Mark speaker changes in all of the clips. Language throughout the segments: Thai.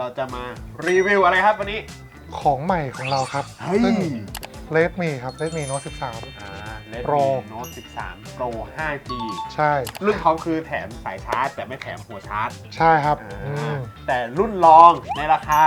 Speaker 1: เราจะมารีวิวอะไรครับวันนี้
Speaker 2: ของใหม่ของเราครับ ซึ่ง Redmi ครับ Redmi Note
Speaker 1: Redmi
Speaker 2: Pro
Speaker 1: Note 13 Pro 5G
Speaker 2: ใช่
Speaker 1: รุ่นเขาคือแถมสายชาร์จแต่ไม่แถมหัวชาร์จ
Speaker 2: ใช่ครับ
Speaker 1: แต่รุ่นรองในราคา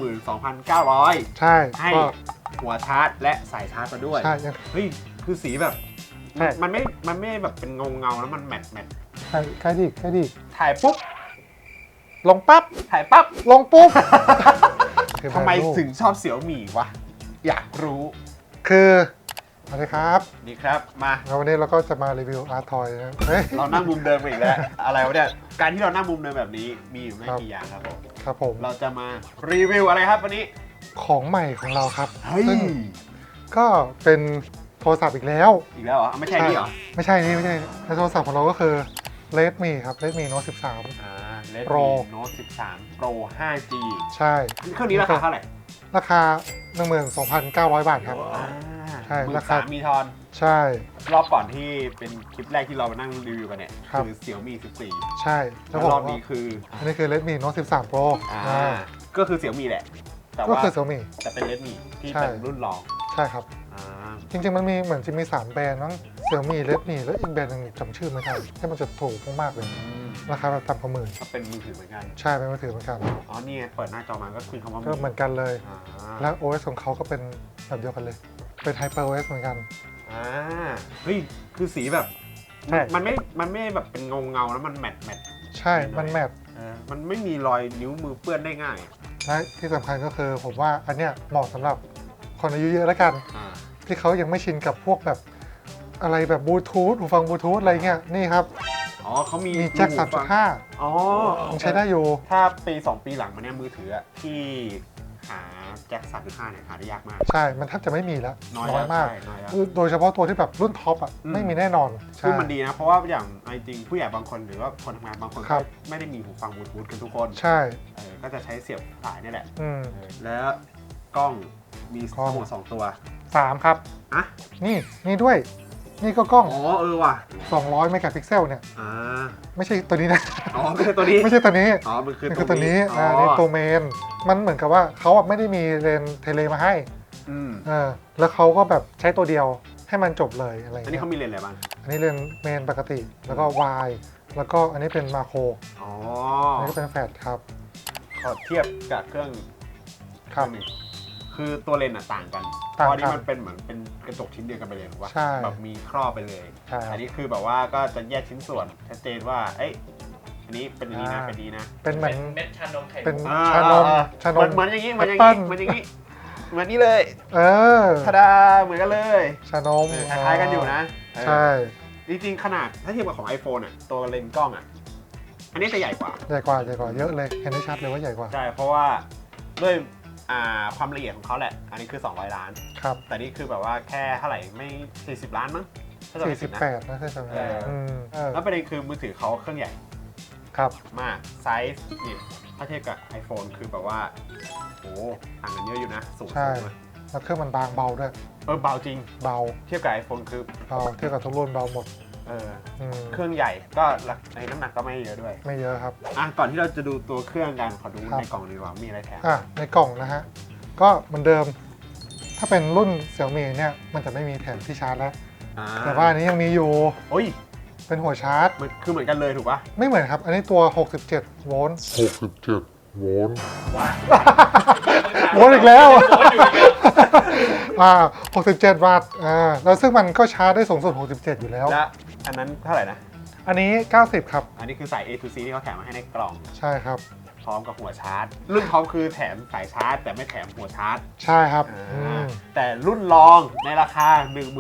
Speaker 1: 12,900
Speaker 2: ใช่
Speaker 1: ให้
Speaker 2: ก็
Speaker 1: หัวชาร์จและสายชาร์จมาด้วย
Speaker 2: ใช่ยัง
Speaker 1: เฮ้ยคือสีแบบ
Speaker 2: ใช่
Speaker 1: มันไม่แบบเป็นเงาแล้วมันแมท
Speaker 2: ใกล้ดิ
Speaker 1: ถ่ายปุ๊บ
Speaker 2: ลงปั๊บ
Speaker 1: ถ่ายปั๊บ
Speaker 2: ลงปุ๊บ
Speaker 1: ทำไมถึงชอบเสี่ยวหมี่วะ อยากรู้
Speaker 2: คือสวัสดีครับ
Speaker 1: นี่ครับมา
Speaker 2: แล้ววันนี้เราก็จะมารีวิวอาร์ทอยนะเฮ้ย
Speaker 1: เรานั่งมุมเดิมไปอีกแล้ว อะไรวะเนี่ย การที่เรานั่งมุมเดิมแบบนี้มีอยู่ไม่
Speaker 2: ครับ
Speaker 1: กี่อย่างครับผม
Speaker 2: ครับผม
Speaker 1: เราจะมารีวิวอะไรครับวันนี้
Speaker 2: ของใหม่ของเราครับ
Speaker 1: เฮ้ย
Speaker 2: ซึ่งก็เป็นโทรศัพท์อีกแล้ว
Speaker 1: อีกแล้วเหรอ ไม่ใช่นี่เหรอ
Speaker 2: ไม่ใช่นี่ไม่ใช่ในโทรศัพท์ของเราก็คือ Redmi ครับ Redmi Note
Speaker 1: Redmi
Speaker 2: Pro
Speaker 1: Note 13 Pro 5G
Speaker 2: 13 ใช่
Speaker 1: เครื่องนี้ราคาเท่าไหร่
Speaker 2: ราคา 12,900 บาทครับ ใช่
Speaker 1: รา
Speaker 2: รา
Speaker 1: คา
Speaker 2: คา
Speaker 1: มีทอน
Speaker 2: ใช่
Speaker 1: รอบก่อนที่เป็นคลิปแรกที่เรามานั่งรีวิวกันเนี่ย
Speaker 2: ครับ
Speaker 1: คือ Xiaomi 14
Speaker 2: ใช่
Speaker 1: แล้วรอบนี้คือ
Speaker 2: อันนี้คือ Redmi Note 13 Pro
Speaker 1: ก็คือ Xiaomi แหละ แต่
Speaker 2: ก็
Speaker 1: ว่า
Speaker 2: คือ Xiaomi
Speaker 1: แต่เป็น Redmi ที่
Speaker 2: ใช่
Speaker 1: เป็นรุ่นรอง
Speaker 2: ใช่ครับ
Speaker 1: อ่า
Speaker 2: จริงๆมันมีเหมือนจะมี 3 แบรนด์มั้ง Xiaomi Redmi แล้วอีกแบรนด์หนึงจำชื่อไม่ได้ที่มันจะถูกมากๆเลย ราคาแบบต่ำกว่าหมื่น
Speaker 1: ก็เป็นมือถือเหมือนกัน
Speaker 2: ใช่เป็นมือถือเหมือนกัน
Speaker 1: อ๋อนี่ไงเปิดหน้าจอมาก็คือคำว่า
Speaker 2: ก็เหมือนกันเลย
Speaker 1: อ่า
Speaker 2: และ OS ของเขาก็เป็นแบบเดียวกันเลย เป็น HyperOS เหมือนกัน
Speaker 1: อ่าเฮ้ยคือสีแบบ
Speaker 2: ใช่
Speaker 1: มันไม่แบบเป็นเงาแล้วมันแมท
Speaker 2: ใช่ มันแมท
Speaker 1: มันไม่มีรอยนิ้วมือเปื้อนได้ง่าย
Speaker 2: และที่สำคัญก็คือผมว่าอันเนี้ยเหมาะสำหรับคนอายุเยอะแล้วกัน
Speaker 1: อ่า
Speaker 2: ที่เขายังไม่ชินกับพวกแบบอะไรแบบบลูทูธหูฟังบลูทูธอะไรเงี้ยนี่ครับ
Speaker 1: อ๋อเขามี
Speaker 2: มีแจ็ค
Speaker 1: หูฟัง
Speaker 2: 3.5
Speaker 1: อ๋อ
Speaker 2: ยังใช้ได้อยู่
Speaker 1: ถ้าปี 2 ปีหลังมาเนี่ยมือถืออะที่หาแจ็ค 3.5 เนี่ยหาได้ยากมาก
Speaker 2: ใช่ มันแทบจะไม่มีแล้ว
Speaker 1: น้อย
Speaker 2: มาก
Speaker 1: ใช่น้อยแล้ว
Speaker 2: โดยเฉพาะตัวที่แบบรุ่นท็อปอ่ะ
Speaker 1: อืม
Speaker 2: ไม่มีแน่นอน
Speaker 1: ซึ่ง
Speaker 2: ใช่
Speaker 1: มันดีนะ เพราะว่าอย่างจริงๆผู้ใหญ่บางคนหรือว่าคนทำงานบางคน
Speaker 2: ครั
Speaker 1: ก็
Speaker 2: บ
Speaker 1: ไม่ได้มีหูฟังบลูทูธกันทุกคน
Speaker 2: ใช่
Speaker 1: ก็จะใช้เสียบสายนี่แหละ
Speaker 2: อืม
Speaker 1: แล้วกล้องมี
Speaker 2: กล้อง
Speaker 1: ทั้งหมด2 ตัว
Speaker 2: 3 ครับ
Speaker 1: อ่ะ
Speaker 2: นี่ด้วย นี่ก็กล้อง
Speaker 1: อ๋อว่ะ
Speaker 2: 200 เมกะพิกเซลเนี่ย
Speaker 1: อ่า
Speaker 2: ไม่ใช่ตัวนี้นะ
Speaker 1: อ๋อไม่ใช่ตัวนี้
Speaker 2: ไม่ใช่ตัวนี้
Speaker 1: อ๋อมันคือ
Speaker 2: นี่คือตัวนี้
Speaker 1: อ๋อ
Speaker 2: นี่ตัวเมน มันเหมือนกับว่าเขาอะไม่ได้มีเลนส์เทเลมาให้
Speaker 1: อืม
Speaker 2: แล้วเขาก็แบบใช้ตัวเดียวให้มันจบเลยอะไร
Speaker 1: อันนี้
Speaker 2: เงี้ย
Speaker 1: เขามีเลนส์อะไรบ้าง
Speaker 2: อันนี้เลนส์เมนปกติ แล้วก็วายแล้วก็อันนี้เป็นมาโคร
Speaker 1: อ๋อ
Speaker 2: อันนี้ก็เป็นแฟลชครับ
Speaker 1: ขอเทียบกับเครื่อง
Speaker 2: ครับ
Speaker 1: หนึ่งคือตัวเลนส์อะต่างกันเพ
Speaker 2: ต่างกัน
Speaker 1: ราะอันนี้มันเป็นเหมือนเป็นกระจกชิ้นเดียวกันไปเลยถูกปะ
Speaker 2: ใช่
Speaker 1: แบบมีครอบไปเลย
Speaker 2: ใช่ครับ
Speaker 1: อันนี้คือแบบว่าก็จะแยกชิ้นส่วนชัดเจนว่าเอ้ยอันนี้เป็นอันนี้นะ
Speaker 2: อ่า
Speaker 1: เป็นนี้นะ
Speaker 2: เป็นเหมือน
Speaker 3: เม็ดชานมไข่
Speaker 2: เป็น
Speaker 3: มุก
Speaker 2: ชานม ชานม
Speaker 1: เหมือนอย่างนี้เหมือนอย่าง
Speaker 2: แอปเปิ้
Speaker 1: นี้
Speaker 2: ล
Speaker 1: เหมือนอย่างนี้เหมือนนี้เลย
Speaker 2: เออ
Speaker 1: ทาดาเหมือนกันเลย
Speaker 2: ชานม
Speaker 1: คล้ายๆกันอยู่นะเออ
Speaker 2: ใช่
Speaker 1: จริงๆขนาดถ้าเทียบกับของ iPhone อ่ะตัวเลนส์กล้องอ่ะอันนี้จะใหญ่กว่า
Speaker 2: ใหญ่กว่าเยอะเลยเห็นได้ชัดเลยว่าใหญ่กว่า
Speaker 1: ใช่เพราะว่าด้วยความละเอียดของเขาแหละ อันนี้คือ200 ล้าน
Speaker 2: ครับ
Speaker 1: แต่นี่คือแบบว่าแค่เท่าไหร่ไม่40 ล้านมั้งถ้าจำไม่ผิดนะ
Speaker 2: 48นะใช่ไหม
Speaker 1: เออ แล้วประเด็นคือมือถือเขาเครื่องใหญ่
Speaker 2: ครับ
Speaker 1: มากไซส์นี่ถ้าเทียบกับ iPhone คือแบบว่าโอ้ต่างกันเยอะอยู่นะสูง
Speaker 2: ใช่
Speaker 1: สูงอะ
Speaker 2: แล้วเครื่องมันบางเบาด้วย
Speaker 1: เบาจริง
Speaker 2: เบา
Speaker 1: เทียบกับ iPhone คือ
Speaker 2: เบาเทียบกับทุกรุ่นเบาหมด
Speaker 1: เออ
Speaker 2: อืม
Speaker 1: เครื่องใหญ่ก็ในน้ำหนักก็ไม่เยอะด้วย
Speaker 2: ไม่เยอะครับ
Speaker 1: ก่อนที่เราจะดูตัวเครื่องกันขอดู
Speaker 2: ครับ
Speaker 1: ในกล่องดีกว่ามีอะไรแถม
Speaker 2: ในกล่องนะฮะ ก็เหมือนเดิม ถ้าเป็นรุ่น Xiaomi เนี่ยมันจะไม่มีแถมที่ชาร์จแล้ว แต่ว่าอันนี้ยังมีอยู่
Speaker 1: โอ้ย
Speaker 2: เป็นหัวชาร์จ
Speaker 1: มันคือเหมือนกันเลยถูกปะ
Speaker 2: ไม่เหมือนครับ อันนี้ตัว 67 โวลต์
Speaker 4: 67 โวลต์
Speaker 2: โวลต์อีกแล้ว
Speaker 3: โวลต์อยู่อีกแล้ว
Speaker 2: 67 วัตต์แล้วซึ่งมันก็ชาร์จได้สูงสุด 67 อยู่แล้ว
Speaker 1: และอันนั้นเท่าไหร่นะ
Speaker 2: อันนี้ 90 ครับ
Speaker 1: อันนี้คือสาย A to C ที่เขาแถมมาให้ในกล่อง
Speaker 2: ใช่ครับ
Speaker 1: พร้อมกับหัวชาร์จ รุ่นเขาคือแถมสายชาร์จ แต่ไม่แถมหัวชาร์จ
Speaker 2: ใช่ครับ
Speaker 1: แต่รุ่นรองในราคา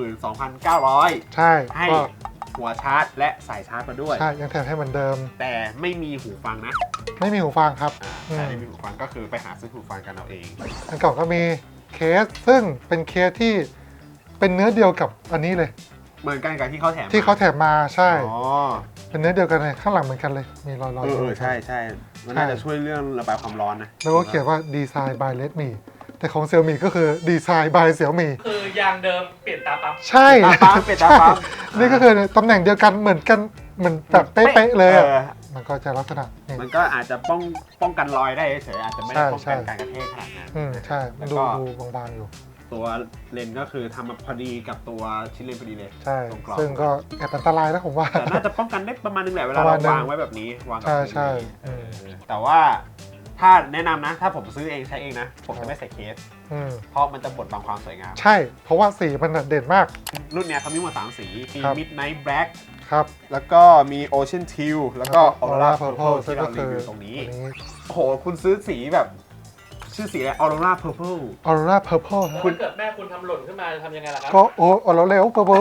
Speaker 1: 12,900
Speaker 2: ใช่
Speaker 1: ให้
Speaker 2: ก็
Speaker 1: หัวชาร์จ และสายชาร์จมาด้วย
Speaker 2: ใช่ ยังแถมให้เหมือนเดิม
Speaker 1: แต่ไม่มีหูฟังนะ
Speaker 2: ไม่มีหูฟังครับ
Speaker 1: แต่ไม่มีหูฟังก็คือไปหาซื้อหูฟังกันเอาเอง
Speaker 2: ในกล่องก็มีเคส ซึ่งเป็นเคสที่เป็นเนื้อเดียวกับอันนี้เลย
Speaker 1: เหมือนกันกับที่เขาแถม
Speaker 2: ที่เขาแถมมาใช่
Speaker 1: อ๋อ
Speaker 2: เป็นเนื้อเดียวกันเลยข้างหลังเหมือนกันเลย มีรอยๆ
Speaker 1: ใช่ใช่มันน่าจะช่วยเรื่องระบายความร้อนนะ
Speaker 2: แล้วก็เขียนว่าดีไซน์ by Redmi แต่ของ Xiaomi ก็คือดีไซน์ by Xiaomi
Speaker 3: คือยางเดิมเปลี่ยนตาปั๊บ
Speaker 2: ใช่
Speaker 1: ตาปั๊มเป็นตาปั๊ม
Speaker 2: นี่ก็คือตำแหน่งเดียวกันเหมือนกันเหมือนแบบเป๊ะๆเลยอะมันก็จะลักษณะนี่
Speaker 1: มันก็อาจจะป้องกันรอยได้เฉยๆอาจจะไม่ได้ป้องกันการกระแทกขนาดนั้น
Speaker 2: ใช่มันดู
Speaker 1: แล้วก็
Speaker 2: ดูบางๆอยู่
Speaker 1: ตัวเลนส์ก็คือทำมาพอดีกับตัวชิ้นเลนส์พอดีเลย
Speaker 2: ใช่
Speaker 1: ตรงกรอบ
Speaker 2: ซึ่งก็แอบอันตรายนะผมว่า
Speaker 1: แต่น่าจะป้องกันได้ประมาณนึงแหละเวลา
Speaker 2: ประมา
Speaker 1: เรา
Speaker 2: ณนึง
Speaker 1: วางไว้แบบนี้วางกับ
Speaker 2: ใช่
Speaker 1: พื้น
Speaker 2: ใช่
Speaker 1: แต่ว่าถ้าแนะนำนะ ถ้าผมซื้อเองใช้เองนะ ผมจะไม่ใส่เคส
Speaker 2: อืม
Speaker 1: เพราะมันจะบดบังความสวยงาม
Speaker 2: ใช่ เพราะว่าสีมันเด่นมาก
Speaker 1: รุ่นเนี้ยเขามีหมด3สีมี
Speaker 2: ครับ
Speaker 1: Midnight Black
Speaker 2: ครับ
Speaker 1: แล้วก็มี Ocean Teal แล้วก็ Aurora Purple
Speaker 2: ซึ่
Speaker 1: ที่
Speaker 2: ง
Speaker 1: เรา
Speaker 2: ก็
Speaker 1: รี
Speaker 2: คือ
Speaker 1: วิวตรงนี้
Speaker 2: อันนี้
Speaker 1: โอ้โห คุณซื้อสีแบบ ชื่อสีอะไร Aurora Purple
Speaker 2: Aurora Purple
Speaker 3: แล้ว
Speaker 2: ฮะ
Speaker 3: ถ้าเกิดแม่คุณทำหล่นขึ้นมาจะทำยังไงล่ะครับ
Speaker 2: ก็โอ้เราเร็ว Purple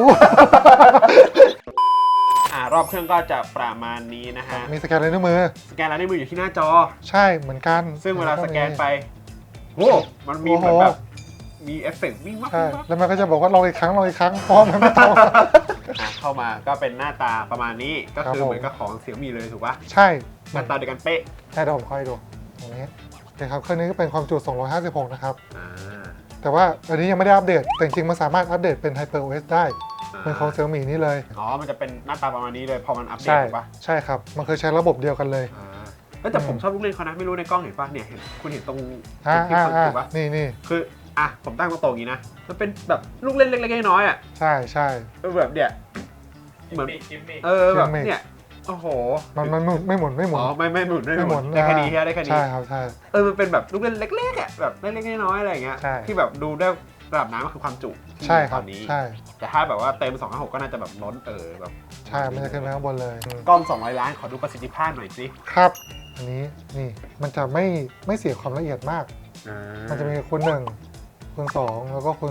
Speaker 1: รอบเครื่องก็จะประมาณนี้นะฮะ
Speaker 2: มีสแกนลายนิ้วมือ
Speaker 1: สแกนลายนิ้วมืออยู่ที่หน้าจอ
Speaker 2: ใช่เหมือนกัน
Speaker 1: ซึ่งเวลาสแกนไปโอ้มันมีเหมือนแบบมีเอฟเฟกต์วิ่งวับ
Speaker 2: ใช่
Speaker 1: วิ่งวับ
Speaker 2: แล้วมันก็จะบอกว่าลองอีกครั้งลองอีกครั้งเพราะมันไม่ตรง
Speaker 1: เข้ามาก็เป็นหน้าตาประมาณนี้ก็
Speaker 2: ครับ
Speaker 1: คือ
Speaker 2: ผม
Speaker 1: เหมือนกับของเสี่ยมี่เลยถูกปะ
Speaker 2: ใช่
Speaker 1: หน้าตาเดียวกันเป๊ะ
Speaker 2: ใช่เดี๋ยวผมค่อยดูตรงนี้นะครับเครื่องนี้ก็เป็นความจุ 256 นะครับ
Speaker 1: อ่า
Speaker 2: แต่ว่าอันนี้ยังไม่ได้อัปเดต แต่จริงๆมันสามารถอัปเดตเป็น HyperOS ได้เป็นของ Xiaomi นี่เลย
Speaker 1: อ๋อมันจะเป็นหน้าตาประมาณนี้เลยพอมันอัปเดต
Speaker 2: ใช่
Speaker 1: ถูกปะ
Speaker 2: ใช่ครับ มันคือใช้ระบบเดียวกันเลย
Speaker 1: แต่ผมชอบลูกเล่นเขานะไม่รู้ในกล้องเห็นปะเนี่ยเห็นคุณเห็นตรง
Speaker 2: อ่า
Speaker 1: ที่
Speaker 2: อ่า
Speaker 1: เขา
Speaker 2: อ่า
Speaker 1: ถูกปะ
Speaker 2: นี่
Speaker 1: คือผมตั้งตรงๆอย่างนี้นะมันเป็นแบบลูกเล่นเล็กๆน้อยๆอ่ะ
Speaker 2: ใช่ใช่
Speaker 1: แบบเนี่ย เหมือน
Speaker 3: จิมมี่
Speaker 1: แบบเนี่ยโอ้โห
Speaker 2: มันไม่หมุน
Speaker 1: อ๋อไม่หมุน
Speaker 2: ไม่หมุน
Speaker 1: ได้แค่นี้ได้แค่นี้
Speaker 2: ใช่ครับใช่
Speaker 1: มันเป็นแบบลูกเล่นเล็กๆอ่ะแบบเล็กๆน้อยๆอะไรอย่างเงี้ย
Speaker 2: ใช่
Speaker 1: ที่แบบดูได้ระดับน้ำก็คือความจุที่
Speaker 2: ใช่
Speaker 1: มี
Speaker 2: ค
Speaker 1: ต
Speaker 2: รั
Speaker 1: อบ นนี้
Speaker 2: ใช่
Speaker 1: แต่ถ้าแบบว่าเต็ม256ก็น่าจะแบบล้นแบบ
Speaker 2: ใช่ มันจะขึ้นไปข้างบนเลย
Speaker 1: กล้อง200 ล้านขอดูประสิทธิภาพหน่อยสิ
Speaker 2: ครับ อันนี้นี่มันจะไม่เสียความละเอียดมาก มันจะมีคูณ1คูณ2แล้วก็คูณ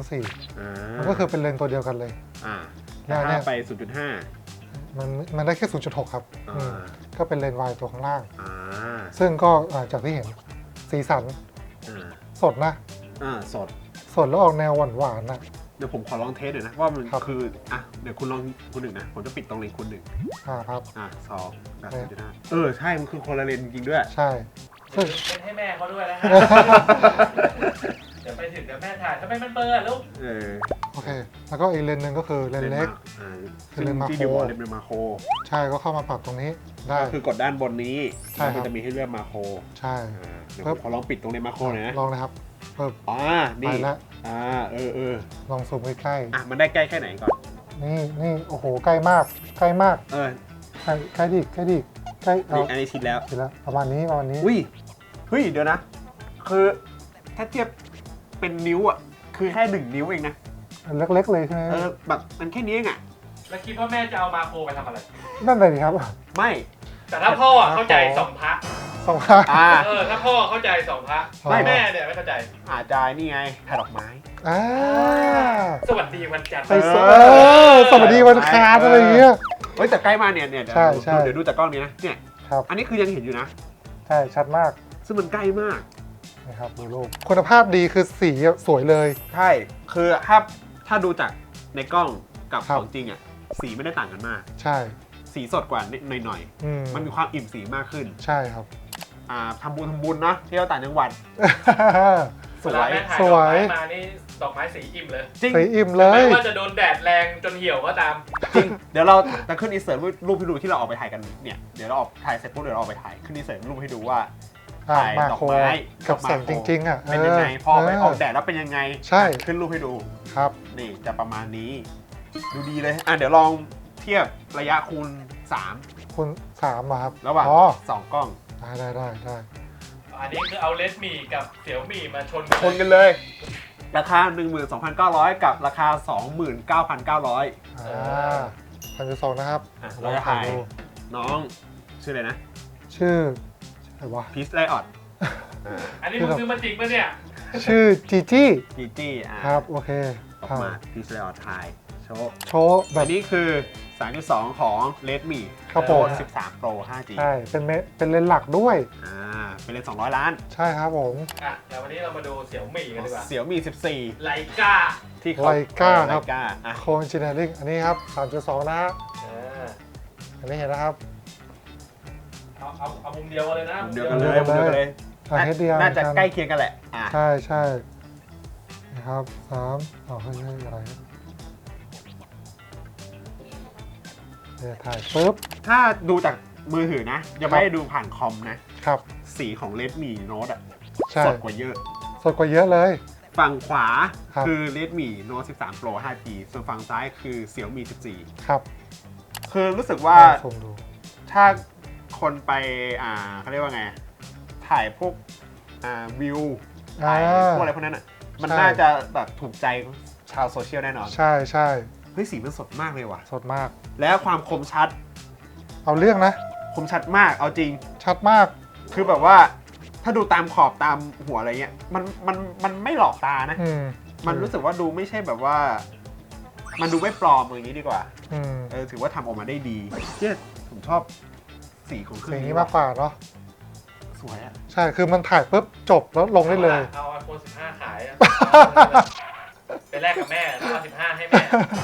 Speaker 2: 4มันก็คือเป็นเลนส์ตัวเดียวกันเลย
Speaker 1: ถ้า
Speaker 2: เนี่ย
Speaker 1: ไป
Speaker 2: มันได้แค่ 0.6 ครับ
Speaker 1: 0.5
Speaker 2: ก็เป็นเลนส์วายตัวข้างล่าง
Speaker 1: อ่า
Speaker 2: ซึ่งก็จากที่เห็นสีสัน
Speaker 1: อ่า
Speaker 2: สดนะ
Speaker 1: สด
Speaker 2: สดแล้วออกแนวหวานๆนะ
Speaker 1: เดี๋ยวผมขอลองเทสหน่อยนะว่ามัน
Speaker 2: ครับ
Speaker 1: คือเดี๋ยวคุณลองคูณ1นะผมจะปิดตรงเลนคูณ1
Speaker 2: ครับ
Speaker 1: 2แบบ0.5ใช่มันคือคนละเลนจริงด้วย
Speaker 2: ใช่ ซึ่ง
Speaker 3: เป็นให้แม่เขาด้วยนะฮะเดี๋ยวไปถึงเดี๋ยวแม่ถ่ายทำไมมันเบลอลูก
Speaker 2: โอเค แล้วก็อีกเลนส์หนึ่งก็คือเลนส์เล็ก
Speaker 1: ซึ่ง
Speaker 2: เลนส์มาโคร
Speaker 1: ที่เดียวกับเลนส์มาโคร
Speaker 2: ใช่ก็เข้ามาปรับตรงนี้ได้
Speaker 1: ก็คือกดด้านบนนี้
Speaker 2: ใช่
Speaker 1: แล้ว
Speaker 2: ครั
Speaker 1: มัน
Speaker 2: บ
Speaker 1: จะมีให้เลือกมาโคร
Speaker 2: ใช่
Speaker 1: เดี๋ยวผมขอลองปิดตรงเลนส์มาโครหน่อยนะ
Speaker 2: ลองนะครับเพิ่ม
Speaker 1: นี่
Speaker 2: ไปแล้ว ลองซูมใกล้
Speaker 1: มันได้ใกล้แค่ไหนก่อน
Speaker 2: ๆนี่โอ้โหใกล้มากใกล้ดิใกล้เอา
Speaker 1: อันนี้ชิดแล้ว
Speaker 2: เสร็จแล้วประมาณนี้
Speaker 1: เฮ้ยเดี๋ยวนะ คือถ้าเทียบเป็นนิ้วคือแค่1 นิ้วเองนะ
Speaker 2: เล็กๆเลยใช่ไหม
Speaker 1: แบบมันแค่นี้เอง
Speaker 3: แล้วคิดว่าแม่จะเอามาโคไปทำอะไร
Speaker 2: นั่นเลยดิครับ
Speaker 1: ไม่
Speaker 3: แต่ถ้าพ่อเข้าใจสองพระ
Speaker 2: สองข้าง
Speaker 3: ถ้าพ่อเข้าใจสองพระ
Speaker 2: ไม่
Speaker 3: แม่เนี่ยไม่เข้าใจ
Speaker 1: อาจจะนี่ไงถ่ายดอกไม้
Speaker 3: สวัสดีวันจันทร์
Speaker 2: ไปสวัสดีวันคานอะไรอย่างเงี้ย
Speaker 1: เฮ้ยแต่ใกล้มาเนี่ย
Speaker 2: ใช่ใช่
Speaker 1: เดี๋ยวดูจากกล้องนี้นะเนี่ย
Speaker 2: ครับ
Speaker 1: อันนี้คือยังเห็นอยู่นะ
Speaker 2: ใช่ชัดมาก
Speaker 1: ซึ่งมันใกล้มาก
Speaker 2: นะครับดูรูปคุณภาพดีคือสีสวยเลย
Speaker 1: ใช่ คือถ้าดูจากในกล้องกับ
Speaker 2: ครับ
Speaker 1: ของจริงสีไม่ได้ต่างกันมาก
Speaker 2: ใช่
Speaker 1: สีสดกว่าหน่อย มันมีความอิ่มสีมากขึ้น
Speaker 2: ใช่ครับ
Speaker 1: ทำบุญเนาะเที่ยวต่างจังหวัด ส
Speaker 3: เว
Speaker 1: ว
Speaker 3: ลาย แม่ถ่าย
Speaker 2: ส
Speaker 3: ด
Speaker 2: ว
Speaker 3: อก
Speaker 2: ย
Speaker 3: ไม้มานี่ดอกไม้สีอิ่มเลย
Speaker 1: จริง
Speaker 2: สีอิ่มเล
Speaker 3: ไม่
Speaker 2: ย
Speaker 3: ว่าจะโดนแดดแรงจนเหี่ยวก็ตาม
Speaker 1: จริง เดี๋ยวเราจะขึ้นอินเสิร์ตรูปให้ดูที่เราออกไปถ่ายกันเนี่ยเดี๋ยวเราออกถ่ายเสร็จปุ๊บเดี๋ยวเราออกไปถ่ายขึ้นอินเสิร์ตรูปให้ดูว่า ถ่าย
Speaker 2: มา
Speaker 1: ดอก
Speaker 2: โค
Speaker 1: ไม้
Speaker 2: กับแสงจริงๆ
Speaker 1: เป็นยังไงพอไปออกแดดแล้วเป็นยังไง
Speaker 2: ใช่
Speaker 1: ขึ้นรูปให้ดู
Speaker 2: ครับ
Speaker 1: นี่จะประมาณนี้ ดูดีเลยเดี๋ยวลองเทียบระยะคูณ
Speaker 2: คุณ3อะครับ
Speaker 1: 3 ระหว่าง
Speaker 2: อ๋อ
Speaker 1: 2 กล้อง
Speaker 2: ได้
Speaker 3: อันนี้คือเอาเลดมี่กับเสี่ยวมี่มาชน
Speaker 1: ชนกันเลย ราคา 12,900 กับราคา 29,900
Speaker 2: 1.2นะครับ
Speaker 1: เราจะถ่ายน้องชื่ออะไรนะ
Speaker 2: ชื่ออะไรวะ
Speaker 1: พีซไลออด
Speaker 3: อันนี้มึงซื้อมาจริงปะเนี่ย
Speaker 2: ชื่อจีจี้
Speaker 1: จีจี้
Speaker 2: ครับโอเค
Speaker 1: ออกมาพีซไลออดถ่ายโชว์
Speaker 2: โชว์แบ
Speaker 1: อั
Speaker 2: บ
Speaker 1: นนี้คือ 3.2 ของ Redmi
Speaker 2: ครับผม
Speaker 1: 13 Pro 5G
Speaker 2: ใช่เป็นเลนส์หลักด้วย
Speaker 1: เป็นเลนส์200 ล้าน
Speaker 2: ใช่ครับผม
Speaker 3: เดี๋ยววันนี้เรามาดูเสี่ยวมี่กันดีกว่า
Speaker 1: เสี่ยวมี่
Speaker 3: ไลกา
Speaker 1: 14 ที่เขา
Speaker 2: ไลกาครับ
Speaker 1: ไลกา
Speaker 2: โคเอนจิเนียริ่งอันนี้ครับ 3.2 นะฮะอันนี้เห็นนะครับ
Speaker 3: เอามุมเดียวกันเลยนะ
Speaker 1: เดียวกันเลยเดียวกันเลย
Speaker 2: เฮดเดียว
Speaker 1: น่าจะใกล้เคียงกันแหละ
Speaker 2: ใช่นะครับ3เฮ้ยอะไรเนี่ยถ่ายปุ๊บ
Speaker 1: ถ้าดูจากมือถือนะยังไม่ได้ดูผ่านคอมนะครับ สีของ Redmi Note อ่ะ
Speaker 2: ใช่
Speaker 1: สดกว่าเยอะ
Speaker 2: สดกว่าเยอะเลย
Speaker 1: ฝั่งขวา
Speaker 2: ครับ
Speaker 1: คือ Redmi Note 13 Pro 5G ส่วนฝั่งซ้ายคือ Xiaomi
Speaker 2: ครับ
Speaker 1: 14 คือรู้สึกว่า
Speaker 2: ซูมดู
Speaker 1: ถ้าคนไปเขาเรียกว่าไง ถ่ายพวกวิวถ่ายพวกอะไรพวกนั้นอ่ะ มัน
Speaker 2: ใช่
Speaker 1: น่าจะแบบถูกใจชาวโซเชียลแน่นอน
Speaker 2: ใช่ใช่
Speaker 1: เฮ้ยสีมันสดมากเลยว่ะ
Speaker 2: สดมาก
Speaker 1: แล้วความคมชัด
Speaker 2: เอาเรื่องนะ
Speaker 1: คมชัดมาก เอาจริง
Speaker 2: ชัดมาก
Speaker 1: คือแบบว่าถ้าดูตามขอบตามหัวอะไรเงี้ย มันไม่หลอกตานะ
Speaker 2: อืม
Speaker 1: มันรู้สึกว่าดูไม่ใช่แบบว่า มันดูไม่ปลอมอย่างนี้ดีกว่า
Speaker 2: อืม
Speaker 1: ถือว่าทำออกมาได้ดีเนี่ยผมชอบสีของเครื่
Speaker 2: สี
Speaker 1: อง
Speaker 2: นี้
Speaker 1: นี้
Speaker 2: มากกว่าเนาะ
Speaker 1: สวยอะ
Speaker 2: ใช่ คือมันถ่ายปุ๊บจบแล้วลงได้เลย
Speaker 3: เอา iPhone 15 ขายอะไปแลกกับแม่เอา15 ให้แม่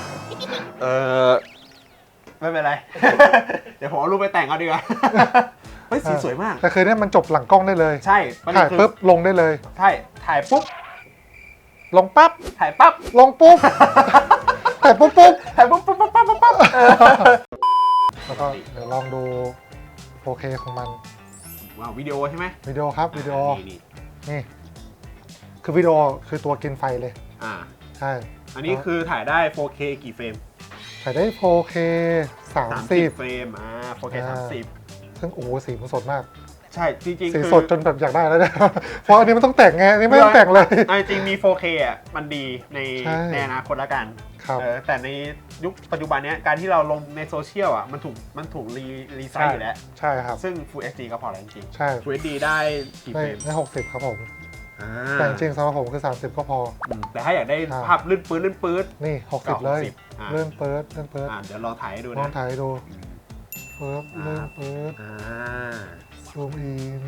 Speaker 1: ไม่เป็นไร เดี๋ยวผมเอารูปไปแต่งเอาดีกว่า เฮ้ยสีสวยมาก
Speaker 2: แต่คือเนี่ยมันจบหลังกล้องได้เลย
Speaker 1: ใช่ประเด็น
Speaker 2: ถ่าย
Speaker 1: คือ
Speaker 2: ปุ๊บลงได้เลย
Speaker 1: ใช่ถ่ายปุ๊บ
Speaker 2: ลงปั๊บ
Speaker 1: ถ่ายปั๊บ
Speaker 2: ลงปุ๊บ ถ่ายปุ๊บปุ๊บ
Speaker 1: ถ่ายปุ๊บปุ๊บปุ๊บปุ๊บปุ๊บปุ๊บ
Speaker 2: แล้วก็เดี๋ยวลองดู 4K ของมัน
Speaker 1: ว้าววิดีโอใช่ไหม
Speaker 2: วิดีโอครับวิดีโอ
Speaker 1: นี่
Speaker 2: นี่ คือวิดีโอคือตัวกินไฟเลย
Speaker 1: อ่า
Speaker 2: ใช่
Speaker 1: อันนี้คือถ่ายได้ 4K กี่เฟรม
Speaker 2: ถ่ายได้ 4K 30
Speaker 1: เฟรม 4K 30
Speaker 2: ซึ่งโอ้โหสีมันสดมาก
Speaker 1: ใช่จริง
Speaker 2: สี
Speaker 1: ๆคือ
Speaker 2: สดจนแบบอยากได้แล้วเนี่ย เพราะอันนี้มันต้องแต่งไงอันนี้ไม่ต้องแต่งเลย
Speaker 1: เอาจริงๆมี 4K อ่ะมันดีใน
Speaker 2: ใช่
Speaker 1: ในอนาคตละกัน
Speaker 2: ครับ
Speaker 1: แต่ในยุคปัจจุบันเนี้ยการที่เราลงในโซเชียลอ่ะมันถูกรีไซ
Speaker 2: ใช่
Speaker 1: ส์อยู่แล้ว
Speaker 2: ใช่ครับ
Speaker 1: ซึ่ง Full HD ก็พอแล้วจริง
Speaker 2: ใช่
Speaker 1: ๆ Full HD ได้กี่
Speaker 2: ใน
Speaker 1: เฟรม
Speaker 2: ใน60 ครับผม
Speaker 1: อ่า
Speaker 2: แต่จริงๆสำหรับผมคือ 30 ก็พอ
Speaker 1: แต่ถ้าอยากได้
Speaker 2: ครับ
Speaker 1: ภาพลื่นปื๊ด
Speaker 2: นี่ 60 เลย
Speaker 1: อ่า
Speaker 2: เลื่อนเปิดเลื่อนเปิด
Speaker 1: เดี๋ยวลองถ่ายให้ดู
Speaker 2: ลอ
Speaker 1: นะ
Speaker 2: งถ่ายให้ดูเปิดเลื่อนเปิด
Speaker 1: อ่า
Speaker 2: ซูมอิน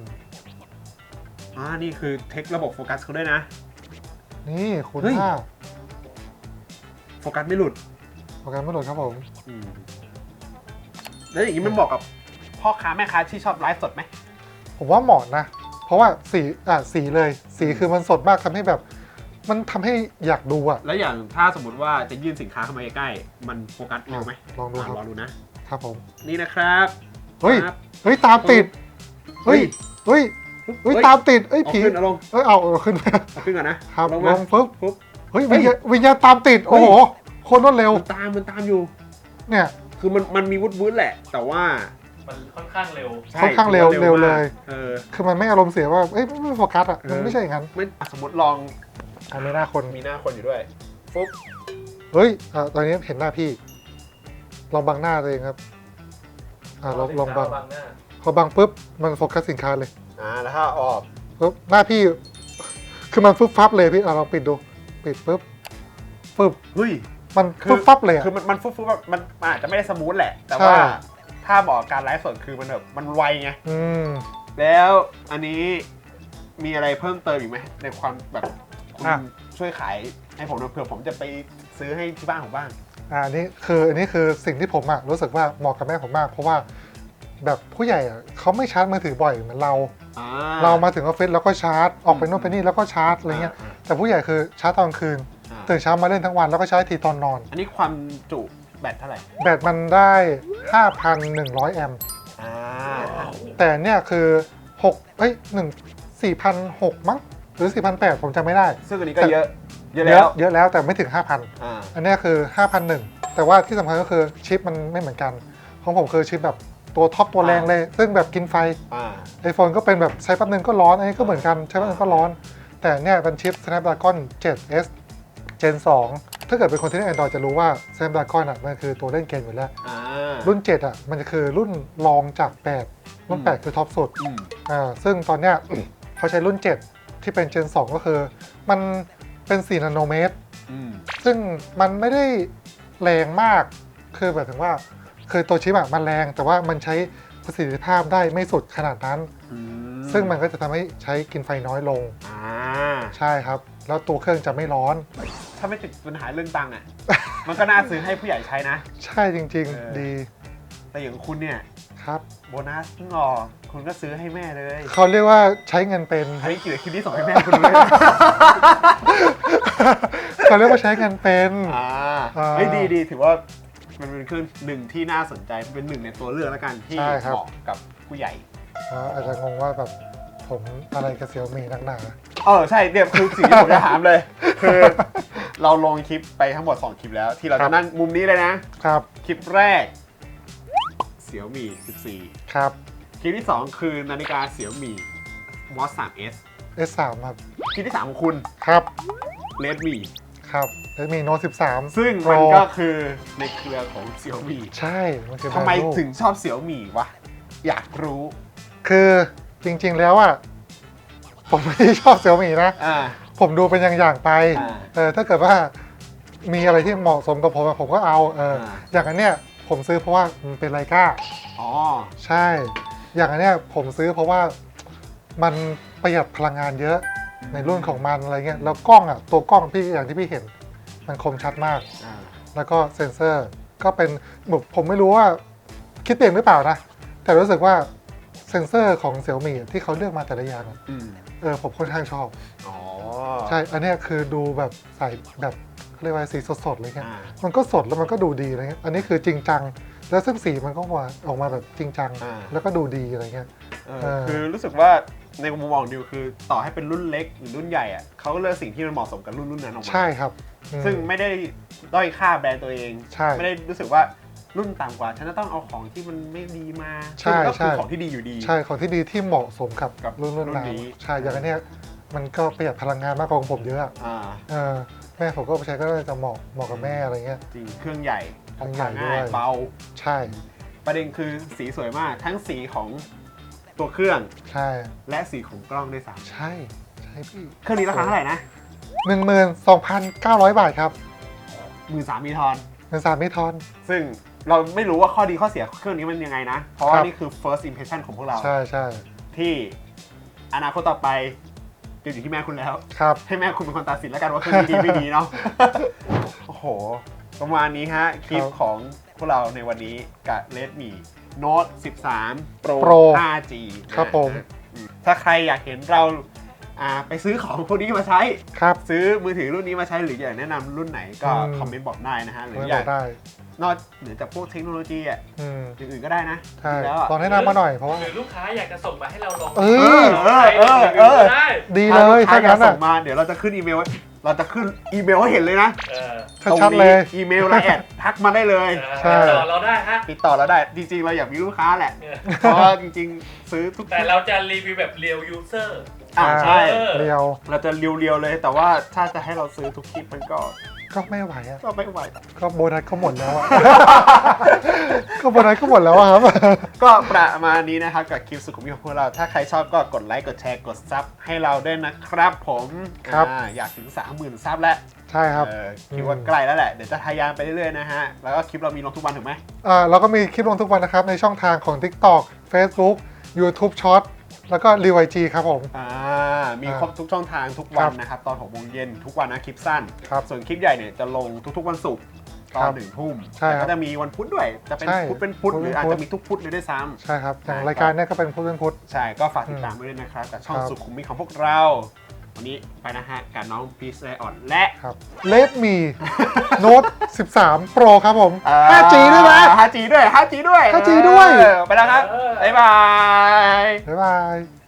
Speaker 1: นี่คือเทคระบบโฟกัสเขาด้วยนะ
Speaker 2: นี่คุณ
Speaker 1: เฮ้ย
Speaker 2: ค่า
Speaker 1: โฟกัสไม่หลุด
Speaker 2: โปรแกรมไม่หลุดครับผม
Speaker 1: แล้วอย่างนี้มันเหมาะกับพ่อค้าแม่ค้าที่ชอบไลฟ์สดไหม
Speaker 2: ผมว่าเหมาะนะ เพราะว่าสีเลย สีคือมันสดมากทำให้แบบ มันทำให้อยากดูอะ
Speaker 1: แล้วอย่างถ้าสมมติว่าจะยื่นสินค้าเข้ามาใกล้ๆมันโฟกัสเร็วไหม
Speaker 2: ลองดูครับ
Speaker 1: ลองดูนะครับ
Speaker 2: ผม
Speaker 1: นี่นะครับ
Speaker 2: เฮ้ย
Speaker 1: ครับ
Speaker 2: เฮ้ยตามติด เฮ้ย เฮ้ย เฮ้ยตามติดเฮ้ย
Speaker 1: เอา
Speaker 2: ผี
Speaker 1: ขึ้นเอาลง
Speaker 2: เฮ้ยเอาขึ้น
Speaker 1: เอาขึ้นก่อนนะครับ
Speaker 2: ล
Speaker 1: มาง
Speaker 2: ปุ๊บ
Speaker 1: ปุ๊บ
Speaker 2: เฮ้ย
Speaker 1: เฮ้ย
Speaker 2: วิญญาณตามติด โอ้โห โคนรวดเร็ว
Speaker 1: มันตามอยู่
Speaker 2: เนี่ย
Speaker 1: คือมันมีวุ้นแหละ แต่ว่า
Speaker 3: มันค่อนข้างเร็ว
Speaker 1: ใช่
Speaker 2: ค่อนข้างเร็ว
Speaker 1: ถือ
Speaker 2: เร็ว
Speaker 1: มาก
Speaker 2: เลย
Speaker 1: คือ
Speaker 2: มันไม่อารมณ์เสียว่า เอ้ยไม่โฟกัสอ่ะ มันไม่ใช่อย่างนั้น
Speaker 1: ไม่สมมติลอง
Speaker 2: อันนี้หน้าคน
Speaker 1: มีหน้าคนอยู่ด้วยปุ๊บ
Speaker 2: เฮ้ยตอนนี้เห็นหน้าพี่ ลองบังหน้าตัวเองครับ ลองบัง
Speaker 3: บางหน้า
Speaker 2: พอบังปุ๊บ มันโฟกัสสินค้าเลย
Speaker 1: แล้วถ้าออก
Speaker 2: ปุ๊บ หน้าพี่ คือมันฟึบฟับเลยพี่ลองปิดดู ปิดปุ๊บฟึบ
Speaker 1: เฮ้ย
Speaker 2: มันฟึบฟับเลยอะ
Speaker 1: คือมันฟุ๊บแบบมันอาจจะไม่ได้สมูทแหละ แต่
Speaker 2: ใช่
Speaker 1: ว่าถ้าบอกการไลฟ์สดคือมันแบบมันไวไง
Speaker 2: อืม
Speaker 1: แล้วอันนี้มีอะไรเพิ่มเติมอีกไหมในความแบบคุณ
Speaker 2: อ่ะ
Speaker 1: ช่วยขายให้ผมหน่อยเผื่อผมจะไปซื้อให้ที่บ้านผมบ้าง
Speaker 2: อันนี้คือสิ่งที่ผมรู้สึกว่าเหมาะกับแม่ผมมาก เพราะว่าแบบผู้ใหญ่เขาไม่ชาร์จมือถือบ่อยเหมือนเรา เรามาถึงออฟฟิศแล้วก็ชาร์จ ออกไปโน่นไปนี่แล้วก็ชาร์จอะไรเงี้ย แต่ผู้ใหญ่คือชาร์จตอนกลางคืน ตื่นเช้ามาเล่นทั้งวันแล้วก็ใช้ทีตอนนอน
Speaker 1: อันนี้ความจุแบตเท่าไหร่
Speaker 2: แบตมันได้ 5,100 แอมป์ แต่เนี่ยคือ4,600 มั้ง หรือ 4,800 ผมจำไม่ได้
Speaker 1: ซึ่งอันนี้ก็เยอะแล้ว
Speaker 2: เยอะแล้วแต่ไม่ถึง 5,000 อันเนี้ยคือ 5,100 แต่ว่าที่สำคัญก็คือชิปมันไม่เหมือนกัน ของผมคือชิปแบบตัวท็อปตัวแรงเลย ซึ่งแบบกินไฟ iPhone ก็เป็นแบบใช้แป๊บนึงก็ร้อน อันนี้ก็เหมือนกันใช้แป๊บนึงก็ร้อน แต่เนี่ยเป็นชิป Snapdragon 7S Gen 2 ถ้าเกิดเป็นคนที่เล่น Android จะรู้ว่า Snapdragon มันคือตัวเล่นเกมอยู่แล้ว รุ่น 7 มันจะคือรุ่นรองจาก 8 รุ่น 8 คือท็อปสุด ซึ่งตอนเนี้ย เขาใช้รุ่น 7 ที่เป็น Gen 2 ก็คือมันเป็น 4 นาโนเมตร ซึ่งมันไม่ได้แรงมาก คือแบบถึงว่า คือตัวชิปมันแรง แต่ว่ามันใช้ประสิทธิภาพได้ไม่สุดขนาดนั้น ซึ่งมันก็จะทำให้ใช้กินไฟน้อยลง ใช่ครับ แล้วตัวเครื่องจะไม่ร้อน
Speaker 1: ถ้าไม่ติดปัญหาเรื่องตังค์อ่ะ มันก็น่าซื้อให้ผู้ใหญ่ใช้นะ
Speaker 2: ใช่จริงๆ ดี
Speaker 1: แต่อย่างคุณเนี่ย
Speaker 2: ครับ
Speaker 1: โบนัสเพิ่งออกคุณก็ซื้อให้แม่เลย
Speaker 2: เขาเรียกว่าใช้เงินเป็น
Speaker 1: อันนี้เกี่ยวกับคลิปที่ส่งให้แม่คุณด้วย
Speaker 2: เขาเรียกว่าใช้เงินเป็น
Speaker 1: เฮ้ยดีถือว่ามันเป็นเครื่องหนึ่งที่น่าสนใจเป็นหนึ่งในตัวเลือกแล้วกันที่
Speaker 2: ใช่ครับ
Speaker 1: เหมาะกับผู้ใหญ่
Speaker 2: อาจจะงงว่าแบบผมอะไรกับเสี่ยวมี่นักหนา
Speaker 1: ใช่เนี่ยคือสิ่งที่ผมจะถามเลย คือเราลงคลิปไปทั้งหมด2คลิปแล้วที่เรา
Speaker 2: ครั
Speaker 1: จะ
Speaker 2: บ
Speaker 1: นั่งมุมนี้เลยนะครับ คลิปแรกเสี่ยวมี่14
Speaker 2: ครับ
Speaker 1: คลิปที่2คือนาฬิกาเสี่ยวมี่ Watch 3S
Speaker 2: S3 ครับ
Speaker 1: คลิปที่3ของคุณ
Speaker 2: ครับ
Speaker 1: Redmi
Speaker 2: ครับแล้วมีโน้ต13
Speaker 1: ซึ่งมันก็คือในเครือของเสี่ยวมี่
Speaker 2: ใช่มันคือ
Speaker 1: ทำไม
Speaker 2: แบรนด์ลูก
Speaker 1: ถึงชอบเสี่ยวมี่วะอยากรู้
Speaker 2: คือจริงๆแล้วอ่ะผมไม่ได้ชอบเสี่ยวมี่นะ
Speaker 1: อ่า
Speaker 2: ผมดูเป็นอย่างๆไป ถ้าเกิดว่ามีอะไรที่เหมาะสมกับผมอะผมก็เอาอย่างอันเนี้ยผมซื้อเพราะว่ามันเป็นไลกา
Speaker 1: อ๋อ
Speaker 2: ใช่ อย่างอันเนี้ยผมซื้อเพราะว่ามันประหยัดพลังงานเยอะในรุ่นของมันอะไรเงี้ยแล้วกล้องอ่ะตัวกล้องพี่อย่างที่พี่เห็น มันคมชัดมาก แล้วก็เซ็นเซอร์ก็เป็นแบบผมไม่รู้ว่าคิดเองหรือเปล่านะ แต่รู้สึกว่าเซ็นเซอร์ของเสี่ยวมี่ที่เขาเลือกมาแต่ละอย่างอะผมค่อนข้างชอบ
Speaker 1: อ๋อ
Speaker 2: ใช่ อันเนี้ยคือดูแบบใส่แบบเขาเรียกว่าสีสดๆเลยเงี้ย
Speaker 1: อ่า
Speaker 2: มันก็สดแล้วมันก็ดูดีอะไรเงี้ย อันนี้คือจริงจัง แล้วซึ่งสีมันก็ออกมาแบบจริงจัง แล้วก็ดูดีอะไรเงี้ย
Speaker 1: คือรู้สึกว่าในมุมมองดิวคือต่อให้เป็นรุ่นเล็กหรือรุ่นใหญ่อะเขาก็เลือกสิ่งที่มันเหมาะสมกับรุ่นนั้นออกมา
Speaker 2: ใช่ครับอืม
Speaker 1: ซึ่งไม่ได้ด้อยค่าแบรนด์ตัวเอง
Speaker 2: ใช่
Speaker 1: ไม่ได้รู้สึกว่ารุ่นต่ำกว่าฉันจะต้องเอาของที่มันไม่ดีมา
Speaker 2: ใช่
Speaker 1: ซึ่งก็คือ
Speaker 2: ใช่
Speaker 1: ของที่ดีอยู่ดี
Speaker 2: ใช่ของที่ดีที่เหมาะสมกับ
Speaker 1: กับ
Speaker 2: รุ่น
Speaker 1: รุ่น
Speaker 2: นั้น
Speaker 1: นี้
Speaker 2: ใช่ อย่างอันเนี้ยมันก็ประหยัดพลังงานมากกว่าของผมเยอะอะ
Speaker 1: อ่า
Speaker 2: แม่ผมก็ใช้ก็จะเหมาะกับแม่อะไรเงี้ย
Speaker 1: จริงเครื่องใหญ่พ
Speaker 2: เครื่
Speaker 1: ก
Speaker 2: องใหญ่
Speaker 1: พาง่าย
Speaker 2: ด้วย
Speaker 1: เบา
Speaker 2: ใช่
Speaker 1: ประเด็นคือสีสวยมากทั้งสีของตัวเครื่อง
Speaker 2: ใช่
Speaker 1: และสีของกล้องด้วยซ้
Speaker 2: ใช่พี่
Speaker 1: ำเครื่องนี้ราคาเท่าไหร่นะ
Speaker 2: 12,900 บาทครับ
Speaker 1: 13,000มีทอน
Speaker 2: 13,000มิทอน
Speaker 1: ซึ่งเราไม่รู้ว่าข้อดีข้อเสียเครื่องนี้มันยังไงนะ เพราะว่า
Speaker 2: ครับ
Speaker 1: นี่คือ first impression ของพวกเรา
Speaker 2: ใช่ใช่
Speaker 1: ที่อนาคตต่อไปจะอยู่ที่แม่คุณแล้ว
Speaker 2: ครับ
Speaker 1: ให้แม่คุณเป็นคนตัดสินแล้วกันว่าเครื่องนี้ดีไม่ดีเนาะ โอ้โห ประมาณนี้ฮะ คลิปของพวกเราในวันนี้กับ Redmi Note 13 Pro
Speaker 2: Pro
Speaker 1: 5G
Speaker 2: ครับผม
Speaker 1: ถ้าใครอยากเห็นเราไปซื้อของพวกนี้มาใช้
Speaker 2: ครับ
Speaker 1: ซื้อมือถือรุ่นนี้มาใช้หรืออยากแนะนำรุ่นไหนก็
Speaker 2: อืม
Speaker 1: คอมเมนต์บอกได้นะฮะหรือ
Speaker 2: ไม่
Speaker 1: อบ ยา
Speaker 2: อก กได้
Speaker 1: นอกเหนือจากพวกเทคโนโลยีอ่ะ
Speaker 2: อืม
Speaker 1: อย่างอื่นก็ได้นะ
Speaker 2: ใช่
Speaker 1: แล้วอะ
Speaker 2: ลองแนะนำมาหน่อยเพราะว่า
Speaker 3: หรือลูกค้าอยากจะส่งมาให้เราลอง
Speaker 2: เออ
Speaker 3: ได้
Speaker 2: ดีเลย
Speaker 1: ถ้า
Speaker 2: ถ้า
Speaker 1: อยาก
Speaker 2: งั้น
Speaker 1: ส่
Speaker 2: อ่ะ
Speaker 1: งมาเดี๋ยวเราจะขึ้นอีเมลไว้เราจะขึ้นอีเมลให้เห็นเลยนะ
Speaker 3: เออ
Speaker 2: ชัดๆเลย
Speaker 1: อีเมลไลน์แอดทักมาได้เลย
Speaker 2: ใช่
Speaker 3: ติดต่อเราได้ฮะ
Speaker 1: ติดต่อเราได้จริงๆ เราอยากมีลูกค้าแหละ เพราะว่าจริงๆ ซื้อทุก
Speaker 3: แต่เราจะรีวิวแบบเรียลยูเซอร์
Speaker 1: ใช่
Speaker 2: เรียว
Speaker 1: เราจะเรียวๆเลย แต่ว่าถ้าจะให้เราซื้อทุกคลิปมันก็
Speaker 2: ก็ไม่ไหวอ่ะ
Speaker 1: ไม่ไหว
Speaker 2: ก็โบนัสก็หมดแล้วอ่ะ ก็โบนัสก็หมดแล้วอะครับ
Speaker 1: ก็ประมาณนี้นะครับกับคลิปสุขุมวิทของพวกเรา ถ้าใครชอบก็กดไลค์กดแชร์กดซับให้เราด้วยนะครับผม
Speaker 2: ครับ
Speaker 1: อยากถึง 30,000 ซับแล้ว
Speaker 2: ใช่ครับ
Speaker 1: คิดว่าใกล้แล้วแหละเดี๋ยวจะทะยานไปเรื่อยๆนะฮะแล้วก็คลิปเรามีลงทุกวันถูกไหม
Speaker 2: เราก็มีคลิปลงทุกวันนะครับ ในช่องทางของ TikTok Facebook YouTube Short แล้วก็ r e w IG ครับผม
Speaker 1: มีครบทุกช่องทางทุกวันนะครับตอน6 โมงเย็นทุกวันนะคลิปสั้น
Speaker 2: ครับ
Speaker 1: ส่วนคลิปใหญ่เนี่ยจะลงทุกๆวันศุกร์ตอน 1 ทุ่ม
Speaker 2: ใช่
Speaker 1: แต่
Speaker 2: ครับ
Speaker 1: ก็จะมีวันพุธด้วยจะเป็น
Speaker 2: ใช่
Speaker 1: พุธเป็นพุธหรืออาจ
Speaker 2: พุธ
Speaker 1: จะมีทุกพุธเลยด้วยซ้ำ
Speaker 2: ใช่ครับ อย่างรายการเนี้ยก็เป็นพุธเป็นพุธ
Speaker 1: ใช่ก็ฝากติดตามด้วยนะครับกับช่อง
Speaker 2: ครับ
Speaker 1: สุขุมวิทของพวกเรา วันนี้ไปนะฮะกับน้องพีชไลออนและ
Speaker 2: ครับ Redmi Note 13 Pro ครับผม 5G ด้วยนะ
Speaker 1: 5G ด้วย 5G ด้วย
Speaker 2: 5G ด้วย
Speaker 1: ไปแล้วครับ บ๊ายบาย
Speaker 2: บ๊ายบาย